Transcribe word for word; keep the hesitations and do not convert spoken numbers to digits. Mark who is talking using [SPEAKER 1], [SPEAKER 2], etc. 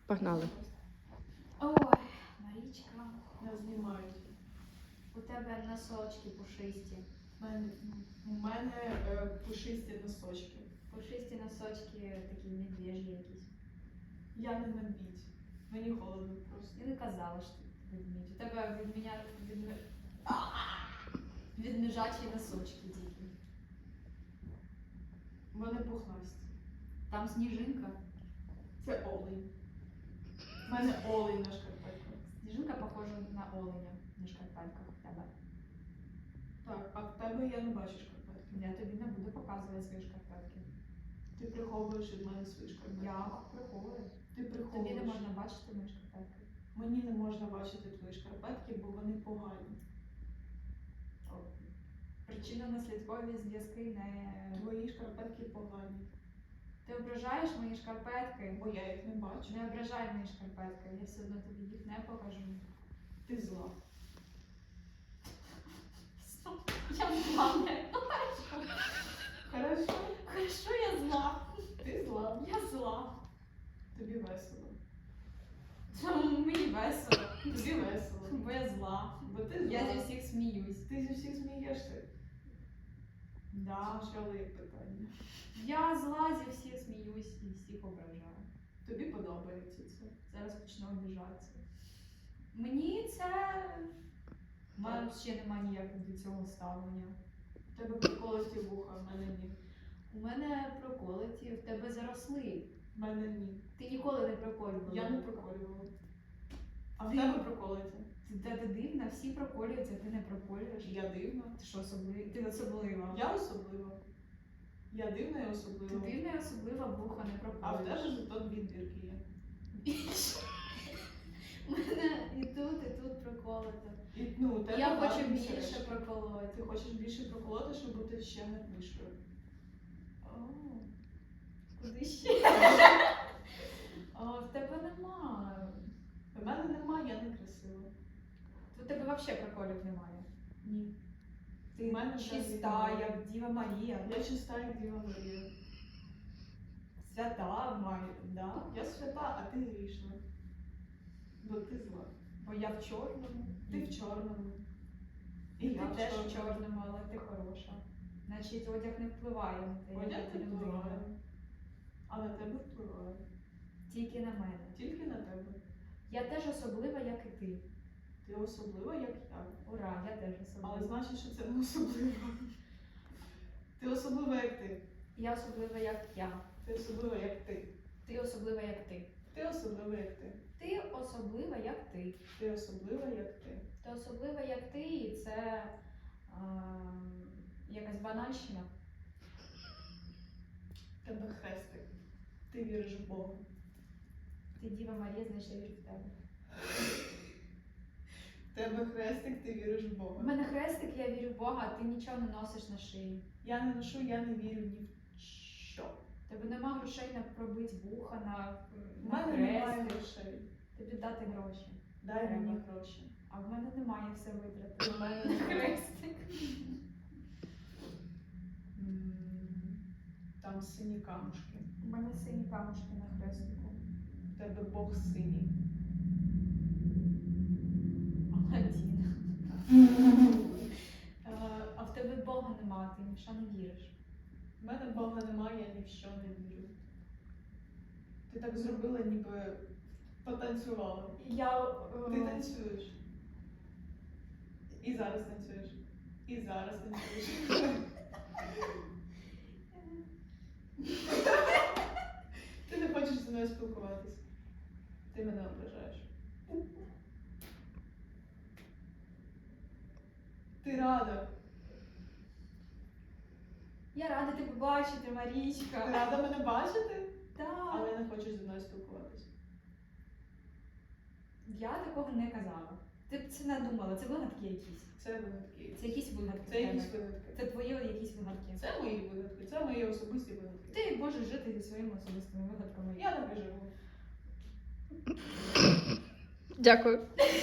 [SPEAKER 1] Погнали.
[SPEAKER 2] Ой, Марічка,
[SPEAKER 3] Не знімають.
[SPEAKER 2] у тебе носочки пушисті.
[SPEAKER 3] У мене, у мене е, пушисті носочки.
[SPEAKER 2] Пушисті носочки такі медвежі якісь.
[SPEAKER 3] Я не медвідь. Мені холодно просто.
[SPEAKER 2] Я не казала, що ти ведмідь. У тебе від мене від, відмежачі носочки тільки.
[SPEAKER 3] Вони пухнасті.
[SPEAKER 2] Там сніжинка.
[SPEAKER 3] Це олень. У мене олень на шкарпетках.
[SPEAKER 2] Сніжинка похожа на оленя на шкарпетках в тебе.
[SPEAKER 3] Так, а в тебе я не бачу шкарпетки.
[SPEAKER 2] Я тобі не буду показувати свої шкарпетки.
[SPEAKER 3] Ти приховуєш від мене свої шкарпетки.
[SPEAKER 2] Я приховую.
[SPEAKER 3] Ти
[SPEAKER 2] Тобі
[SPEAKER 3] приховуєш.
[SPEAKER 2] не можна бачити мої шкарпетки.
[SPEAKER 3] Мені не можна бачити твої шкарпетки, бо вони погані.
[SPEAKER 2] Причинно-наслідкові зв'язки не...
[SPEAKER 3] Твої шкарпетки погані.
[SPEAKER 2] Ти ображаєш мої шкарпетки?
[SPEAKER 3] Бо я їх не бачу.
[SPEAKER 2] Не ображай мої шкарпетки, я все одно тобі їх не покажу.
[SPEAKER 3] Ти зла.
[SPEAKER 2] Я зла, не. Ну хорошо.
[SPEAKER 3] Хорошо?
[SPEAKER 2] Хорошо, я зла.
[SPEAKER 3] Ти зла.
[SPEAKER 2] Я зла.
[SPEAKER 3] Тобі весело.
[SPEAKER 2] Чому мені весело?
[SPEAKER 3] Тобі весело.
[SPEAKER 2] Бо я зла.
[SPEAKER 3] Бо ти зла.
[SPEAKER 2] Я зі всіх сміюсь.
[SPEAKER 3] Ти зі всіх смієшся.
[SPEAKER 2] Да.
[SPEAKER 3] Спочатку є питання.
[SPEAKER 2] Я зла, зі всіх сміюсь і всіх ображаю.
[SPEAKER 3] Тобі подобається це?
[SPEAKER 2] Зараз почну обіжатися. Мені це... У мене ще немає ніякого до цього ставлення.
[SPEAKER 3] В тебе приколості вуха, в мене ні.
[SPEAKER 2] У мене проколоті, в тебе заросли.
[SPEAKER 3] В мене ні.
[SPEAKER 2] Ти ніколи не проколювала.
[SPEAKER 3] Я не проколювала. А в
[SPEAKER 2] Ти-
[SPEAKER 3] тебе проколиться?
[SPEAKER 2] Ти, та ти дивна, всі проколюються, а ти не проколюєш.
[SPEAKER 3] Я дивна.
[SPEAKER 2] Ти що особлива? Ти особлива.
[SPEAKER 3] Я особлива. Я дивна і
[SPEAKER 2] Ти
[SPEAKER 3] особлива.
[SPEAKER 2] дивна і особлива, вуха не
[SPEAKER 3] А в
[SPEAKER 2] проколюєш.
[SPEAKER 3] тебе зато дві дірки є.
[SPEAKER 2] У мене і тут, і тут проколото.
[SPEAKER 3] І, ну, у тебе
[SPEAKER 2] Я хочу
[SPEAKER 3] гарні
[SPEAKER 2] більше
[SPEAKER 3] сережки.
[SPEAKER 2] проколоти.
[SPEAKER 3] Ти хочеш більше проколоти, щоб бути ще гарнішою.
[SPEAKER 2] О, куди ще? О, в тебе немає.
[SPEAKER 3] В мене немає, я не красива.
[SPEAKER 2] У тебе взагалі проколів немає.
[SPEAKER 3] Ні.
[SPEAKER 2] Ти
[SPEAKER 3] В мене
[SPEAKER 2] чиста,
[SPEAKER 3] взагалі
[SPEAKER 2] як Діва Марія.
[SPEAKER 3] Я чиста, як Діва Марія.
[SPEAKER 2] Свята маю, да?
[SPEAKER 3] Я свята, а ти грішна. Бо ти зла.
[SPEAKER 2] Бо я в чорному.
[SPEAKER 3] Ти в чорному. І
[SPEAKER 2] Ти
[SPEAKER 3] я в
[SPEAKER 2] теж в
[SPEAKER 3] чорному.
[SPEAKER 2] чорному, але ти хороша. Значить, одяг не впливає на те,
[SPEAKER 3] Одяг
[SPEAKER 2] яка ти
[SPEAKER 3] не
[SPEAKER 2] людина.
[SPEAKER 3] впливає. А на тебе впливає.
[SPEAKER 2] Тільки на мене.
[SPEAKER 3] Тільки на тебе.
[SPEAKER 2] Я теж особлива, як і ти.
[SPEAKER 3] Ти особлива, як я.
[SPEAKER 2] Ура, я теж особлива.
[SPEAKER 3] Але значить, що це не особливо. Ти особлива, як ти.
[SPEAKER 2] Я особлива, як я.
[SPEAKER 3] Ти особлива, як ти.
[SPEAKER 2] Ти особлива, як ти.
[SPEAKER 3] Ти особлива, як ти.
[SPEAKER 2] Ти особлива, як ти.
[SPEAKER 3] Ти особлива, як ти.
[SPEAKER 2] Ти особлива, як ти, і це а, якась банальщина.
[SPEAKER 3] В тебе хрестик. Ти віриш в Бога.
[SPEAKER 2] Ти Діва Марія, значить я вірю в тебе.
[SPEAKER 3] В тебе хрестик, ти віриш в
[SPEAKER 2] У
[SPEAKER 3] Бога.
[SPEAKER 2] мене хрестик, я вірю в Бога, а ти нічого не носиш на шиї.
[SPEAKER 3] Я не ношу, я не вірю ні в що.
[SPEAKER 2] У тебе нема грошей на пробити вуха, на,
[SPEAKER 3] У
[SPEAKER 2] на
[SPEAKER 3] мене немає
[SPEAKER 2] хрестик.
[SPEAKER 3] грошей.
[SPEAKER 2] Тобі дати гроші.
[SPEAKER 3] Дай
[SPEAKER 2] Треба.
[SPEAKER 3] мені гроші.
[SPEAKER 2] А в мене немає все витрати.
[SPEAKER 3] У мене
[SPEAKER 2] На
[SPEAKER 3] немає.
[SPEAKER 2] хрестик.
[SPEAKER 3] М, Там сині камушки.
[SPEAKER 2] У мене сині камушки на хрестику.
[SPEAKER 3] В тебе Бог синій.
[SPEAKER 2] Аладдін. Е, А в тебе Бога нема, ти ні в що не віриш.
[SPEAKER 3] У мене Бога немає, я ні в що не вірю. Ти так зробила, ніби потанцювала.
[SPEAKER 2] Я... е,
[SPEAKER 3] Ти танцюєш. І зараз танцюєш. І зараз танцюєш. Ти не хочеш зі мною спілкуватись. Ти мене ображаєш. Ти рада.
[SPEAKER 2] Я рада тебе бачити,
[SPEAKER 3] Ти
[SPEAKER 2] Марічка.
[SPEAKER 3] рада мене бачити,
[SPEAKER 2] Так.
[SPEAKER 3] але не хочеш зі мною спілкуватись.
[SPEAKER 2] Я такого не казала. Ти б це надумала, це вигадки якісь.
[SPEAKER 3] Це вигадки.
[SPEAKER 2] Це якісь вигадки.
[SPEAKER 3] Це
[SPEAKER 2] в
[SPEAKER 3] якісь
[SPEAKER 2] тебе.
[SPEAKER 3] вигадки.
[SPEAKER 2] Це твої якісь вигадки.
[SPEAKER 3] Це мої вигадки, це мої особисті вигадки.
[SPEAKER 2] Ти можеш жити зі своїми особистими вигадками.
[SPEAKER 3] Я так і живу.
[SPEAKER 1] Дякую.